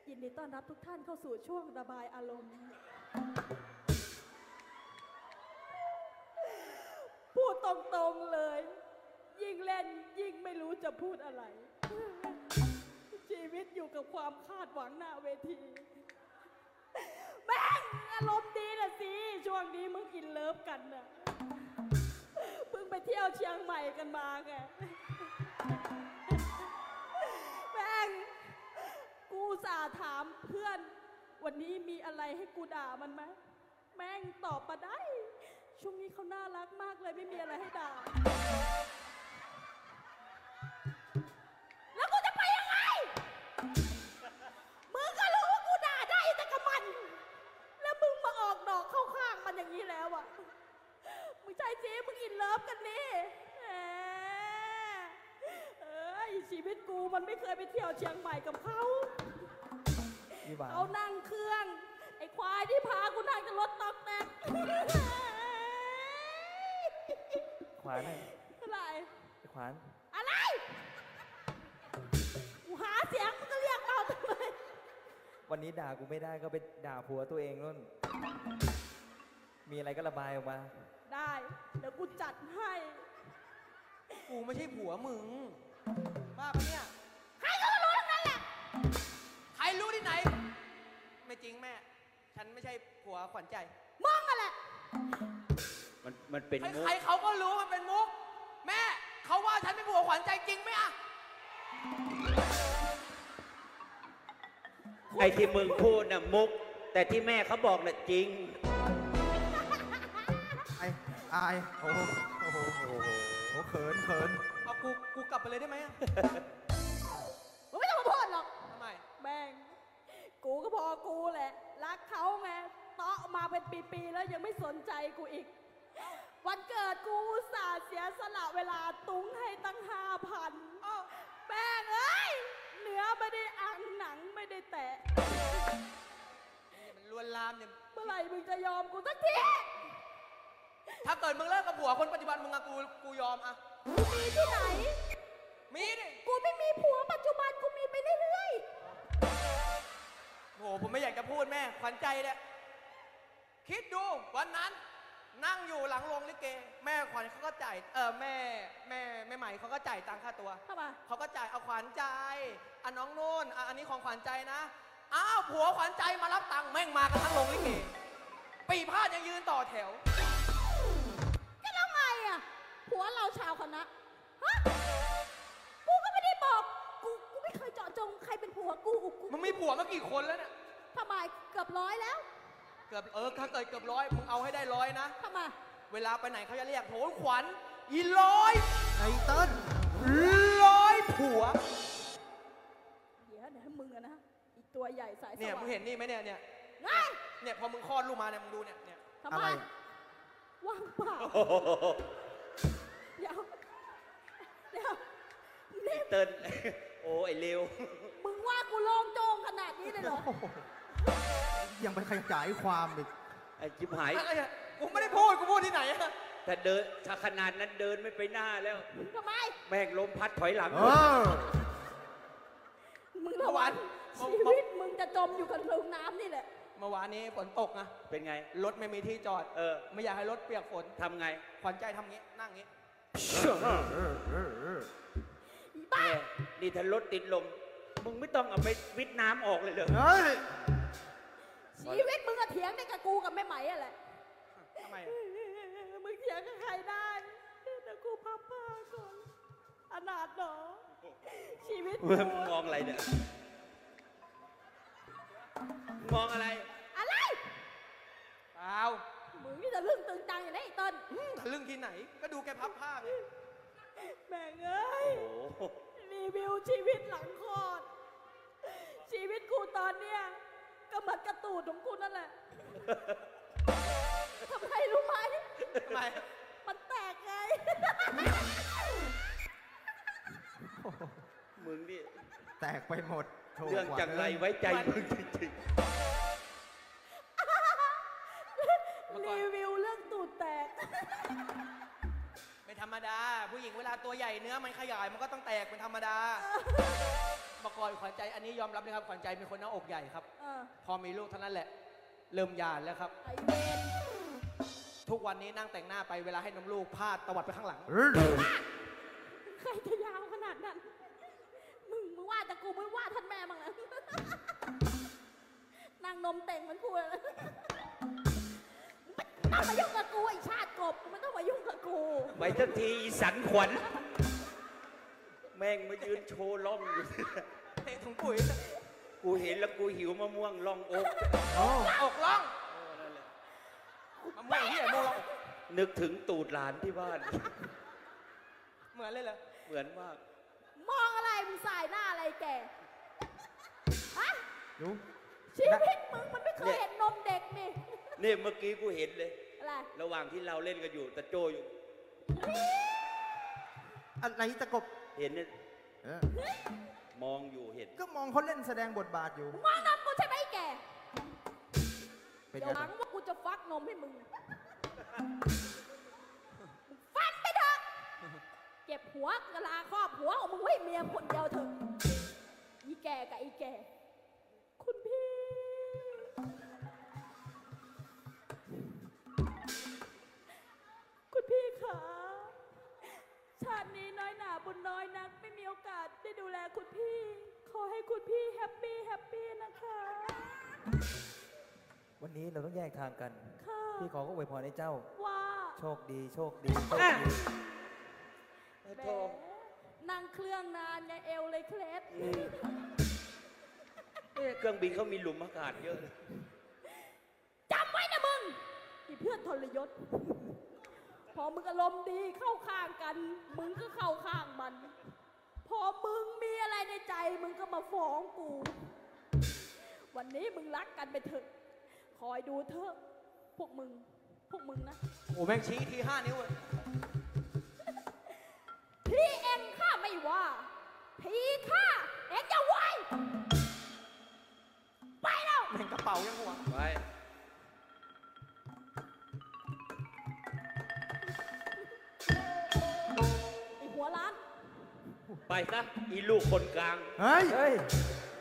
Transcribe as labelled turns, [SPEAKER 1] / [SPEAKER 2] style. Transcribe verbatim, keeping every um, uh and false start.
[SPEAKER 1] ยินดีต้อนรับทุกท่านเข้าสู่ช่วงระบายอารมณ์พูดตรงๆเลยยิ่งเล่นยิ่งไม่รู้จะพูดอะไรชีวิตอยู่กับความคาดหวังหน้าเวทีแม่งอารมณ์ดีนะสิช่วงนี้มึงอินเลิฟกันน่ะเพิ่งไปเที่ยวเชียงใหม่กันมาไงแม่งกูสาถามเพื่อนวันนี้มีอะไรให้กูด่ามันไหมแม่งตอบมาได้ช่วงนี้เขาน่ารักมากเลยไม่มีอะไรให้ด่าแล้วกูจะไปยังไงมึงก็รู้ว่ากูด่าได้แต่กับมันแล้วมึงมาออกดอกเข้าข้างมันอย่างนี้แล้วอ่ะมึงใจจีมึงอินเลิฟกันนี่แหมเอ้ยชีวิตกูมันไม่เคยไปเที่ยวเชียงใหม่กับเขาเขานั่งเครื่องไอ้ควายที่พากูนั่งจะรถตอกแตก
[SPEAKER 2] ขวาน
[SPEAKER 1] อะไร
[SPEAKER 2] ไอ้ขวาน
[SPEAKER 1] อะไรกูหาเสียงมึงก็เรียกเราทำไม
[SPEAKER 2] วันนี้ด่ากูไม่ได้ก็ไปด่าผัวตัวเองนู่นมีอะไรก็ระบายออกมา
[SPEAKER 1] ได้เดี๋ยวกูจัดให้
[SPEAKER 3] กูไม่ใช่ผัวมึงบ้าปะเนี่ย
[SPEAKER 1] ใครก็รู้ทั้งนั้นแหละ
[SPEAKER 3] ใครรู้ที่ไหนไม่จริงแม่ฉันไม่ใช่ผัวขวัญใจ
[SPEAKER 1] มึงอะไร
[SPEAKER 4] มันมันเป็นมุก
[SPEAKER 3] ใครเขาก็รู้มันเป็นมุกแม่เขาว่าฉันเป็นผัวขวัญใจจริงไหมอะ
[SPEAKER 4] ไอ้ที่มึงพูดน่ะมุกแต่ที่แม่เขาบอกน่ะจริง
[SPEAKER 5] ไอ้อายโอ้โหโอ้โหโอ้โหโอ้เขินเขิน
[SPEAKER 3] เอากูกูกลับไปเลยได้ไหมอะ
[SPEAKER 1] มึงไม่ต้องมาพูดหรอก
[SPEAKER 3] ทำไม
[SPEAKER 1] แม่งกูก็พอกูแหละรักเขาไงเตาะมาเป็นปีๆแล้วยังไม่สนใจกูอีกวันเกิดกูอุตส่าห์เสียสละเวลาตุ้งให้ตั้งห้าพันแม่งเอ้ยเนื้อไม่ได้อังหนังไม่ได้แตะ
[SPEAKER 3] มันลวนลามเนี่ย
[SPEAKER 1] เมื่อไหร่มึงจะยอมกูสักที
[SPEAKER 3] ถ้าเกิดมึงเลิกกับผัวคนปัจจุบันมึงอะกูกูยอมอะ
[SPEAKER 1] มีที่ไหน
[SPEAKER 3] มีดิ
[SPEAKER 1] กูไม่มีผัวปัจจุบันกูมีไปเรื่อย
[SPEAKER 3] ๆโหผมไม่อยากจะพูดแม่ขวัญใจเนี่ยคิดดูวันนั้นนั่งอยู่หลังโรงลิเกแม่ขวัญเขาก็จ่ายเออแม่แม่แม่ใหม่เขาก็จ่ายตังค่าตัว
[SPEAKER 1] ทำไม
[SPEAKER 3] เขาก็จ่ายเอาขวัญใจอ่ะน้องนู่นอ่ะอันนี้ของขวัญใจนะอ้าวผัวขวัญใจมารับตังค์แม่งมากันทั้งโรงลิเกปีพาดยังยืนต่อแถว
[SPEAKER 1] ก็แล้วไงอ่ะผัวเราชาวคณะฮะกูก็ไม่ได้บอกกูกูไม่เคยเจาะจงใครเป็นผัวกูกู
[SPEAKER 3] มึงมีผัวมากี่คนแล้วเนี่ย
[SPEAKER 1] ทำไมเกือบร้อยแล้ว
[SPEAKER 3] เกือบเออถ้าเกิดเกือบร้อยมึงเอาให้ได้ร้อยนะ
[SPEAKER 1] ทำไม
[SPEAKER 3] เวลาไปไหนเขาจะเรียกโหขวัญอีร้อย
[SPEAKER 5] ไอ้เติ้ล
[SPEAKER 3] ร้อยผัว
[SPEAKER 1] เดี๋ยวเดี๋ยวให้มึงอะนะอีกตัวใหญ่สายสว่าง
[SPEAKER 3] เนี่ยมึงเห็นนี่ไหมเนี่ยเนี่ยเนี่ยพอมึงคลอดลูกมาเนี่ยมึงดูเนี่ยเนี่ย
[SPEAKER 1] ทำไมว่างเปล่าเดี๋ยวเดี๋ยว
[SPEAKER 4] นี่เติ้ลโอ้ไอ้เลว
[SPEAKER 1] มึงว่ากูโล่งโจ้งขนาดนี้เลยเหรอ
[SPEAKER 5] ยังไปขยายความอีก
[SPEAKER 4] ไอ้จิบหาย
[SPEAKER 3] กูไม่ได้พูดกูพูดที่ไหนอะ
[SPEAKER 4] แต่เดินถ้าขนาดนั้นเดินไม่ไปหน้าแล้ว
[SPEAKER 1] ทำไม
[SPEAKER 4] แม่งลมพัดถอยหลัง
[SPEAKER 1] มึงระวังชีวิตมึงจะจมอยู่กับลงน้ำนี่แหละ
[SPEAKER 3] เมื่อวานนี้ฝนตกนะ
[SPEAKER 4] เป็นไง
[SPEAKER 3] รถไม่มีที่จอด
[SPEAKER 4] เออ
[SPEAKER 3] ไม่อยากให้รถเปียกฝน
[SPEAKER 4] ทำไง
[SPEAKER 3] ขวัญใจทำงี้นั่งงี้
[SPEAKER 4] บ้านี่ถ้ารถติดลมมึงไม่ต้องเอาไปวิทน้ำออกเลยเหรอ
[SPEAKER 1] ชีวิตมึงอะเถียงได้กับกูกับแม่ไหมอะแหละ
[SPEAKER 3] ทำไม
[SPEAKER 1] มึงเถียงกับใครได้แต่กูพับผ้าก่อนอนาถหรอชีวิตมึ
[SPEAKER 4] งมองอะไรเนี่ยมองอะไร
[SPEAKER 1] อะไร
[SPEAKER 3] เปล่า
[SPEAKER 1] มึงนี่จะลึ่งตึงตังอย่างนี้ต้น
[SPEAKER 3] ทะลึ่งที่ไหนก็ดูแกพับผ้าไง
[SPEAKER 1] แม่งเอ้ยรีวิวชีวิตหลังคลอดชีวิตกูตอนเนี้ยก็เหมือนกระตูดของกูนั่นแหละทำไมรู้ไหม
[SPEAKER 3] ทำไม
[SPEAKER 1] มันแตกไง
[SPEAKER 4] มึงนี่
[SPEAKER 5] แตกไปหมด
[SPEAKER 4] เรื่องจังไรไว้ใจมึงจริง
[SPEAKER 1] ๆรีวิวเรื่องตูดแตก
[SPEAKER 3] ไม่ธรรมดาผู้หญิงเวลาตัวใหญ่เนื้อมันขยายมันก็ต้องแตกเป็นธรรมดาประกอบขวัญใจอันนี้ยอมรับเลยครับขวัญใจเป็นคนหน้าอกใหญ่ครับ
[SPEAKER 1] เออ
[SPEAKER 3] พอมีลูกเท่านั้นแหละ เริ่มยานแล้วครับ
[SPEAKER 1] ไอเวน
[SPEAKER 3] ทุกวันนี้นั่งแต่งหน้าไปเวลาให้นมลูกพาดตวัดไปข้างหลัง
[SPEAKER 5] เออ
[SPEAKER 1] ใครจะยาวขนาดนั้น มึงมึงว่าแต่กูไม่ว่าท่านแม่มั้งนะนางนมเต่งเหมันกูเลยไม่ต้องมายุ่งกับกูไอชาติกบมึงไม่ต้องมายุ่งกับกู
[SPEAKER 4] ไปทันทีอีสันขวัญแม่งมายืนโชว์ล่องอยู่
[SPEAKER 3] เทถุงปุ๋ย
[SPEAKER 4] กูเห็นแล้วกูหิวมะม่วงล่องอก
[SPEAKER 5] โอ้
[SPEAKER 3] อกล่องมะม่วงที่ไหนม่วงล่องอก
[SPEAKER 4] นึกถึงตูดหลานที่บ้าน
[SPEAKER 3] เหมือนเลยเหรอ
[SPEAKER 4] เหมือนมาก
[SPEAKER 1] มองอะไรมึงสายหน้าอะไรแกฮะ
[SPEAKER 5] ดู
[SPEAKER 1] ชีวิตมึงมันไม่เคยเห็นนมเด็กนี่
[SPEAKER 4] นี่เมื่อกี้กูเห็นเลย
[SPEAKER 1] อะไร
[SPEAKER 4] ระหว่างที่เราเล่นกันอยู่ตะโจอยู่
[SPEAKER 5] อะไรตะกบ
[SPEAKER 4] เห็นเนี่ย
[SPEAKER 5] เออ
[SPEAKER 4] มองอยู่เห็น
[SPEAKER 5] ก็มองเขาเล่นแสดงบทบาทอยู่
[SPEAKER 1] มึงมองนมกูใช่ไหมไอ้แก
[SPEAKER 5] เป็น
[SPEAKER 1] เดี๋
[SPEAKER 5] ไง
[SPEAKER 1] ยวหลังว่ากูจะฟักนมให้มึง ฟันไปเถอะเก็บหัวกะลาครอบหัวของมึงไว้เมียคนเดียวเถอะอีแก่กับอีแก่ คุณพี่ คุณพี่คะชาตินี้น้อยหนาบุญน้อยนัก ไม่มีโอกาสได้ดูแลคุณพี่ ขอให้คุณพี่แฮปปี้แฮปปี้นะคะ
[SPEAKER 2] วันนี้เราต้องแยกทางกัน
[SPEAKER 1] ค่ะ
[SPEAKER 2] พี่ขอก็อวยพรให้เจ้า
[SPEAKER 1] ว่า
[SPEAKER 2] โชคดี โชคดี โชคดี
[SPEAKER 1] แหมนั่งเครื่องนานไงเอวเลยเคล็ด
[SPEAKER 4] อืมเอ๊ะเครื่องบินเขามีหลุมอากาศเยอะเลย
[SPEAKER 1] จำไว้นะมึงอีเพื่อนทรยศ พอมึงอารมณ์ดีเข้าข้างกัน มึงก็เข้าข้างมัน พอมึงมีอะไรในใจมึงก็มาฟ้องกู วันนี้มึงรักกันไปเถอะ คอยดูเถอะ พวกมึง พวกมึงนะ
[SPEAKER 3] โอ้แม่งชี้ทีห้านิ้วเลย
[SPEAKER 1] พี่เองข้าไม่ว่า พี่ข้าเองจะไหวไปแล้ว
[SPEAKER 3] แม่งกระเป๋ายังหัว
[SPEAKER 4] ไป
[SPEAKER 1] ไอหัวร้าน
[SPEAKER 4] ไปซะอีลูกคนกลาง
[SPEAKER 5] เฮ้ย
[SPEAKER 2] เฮ้ย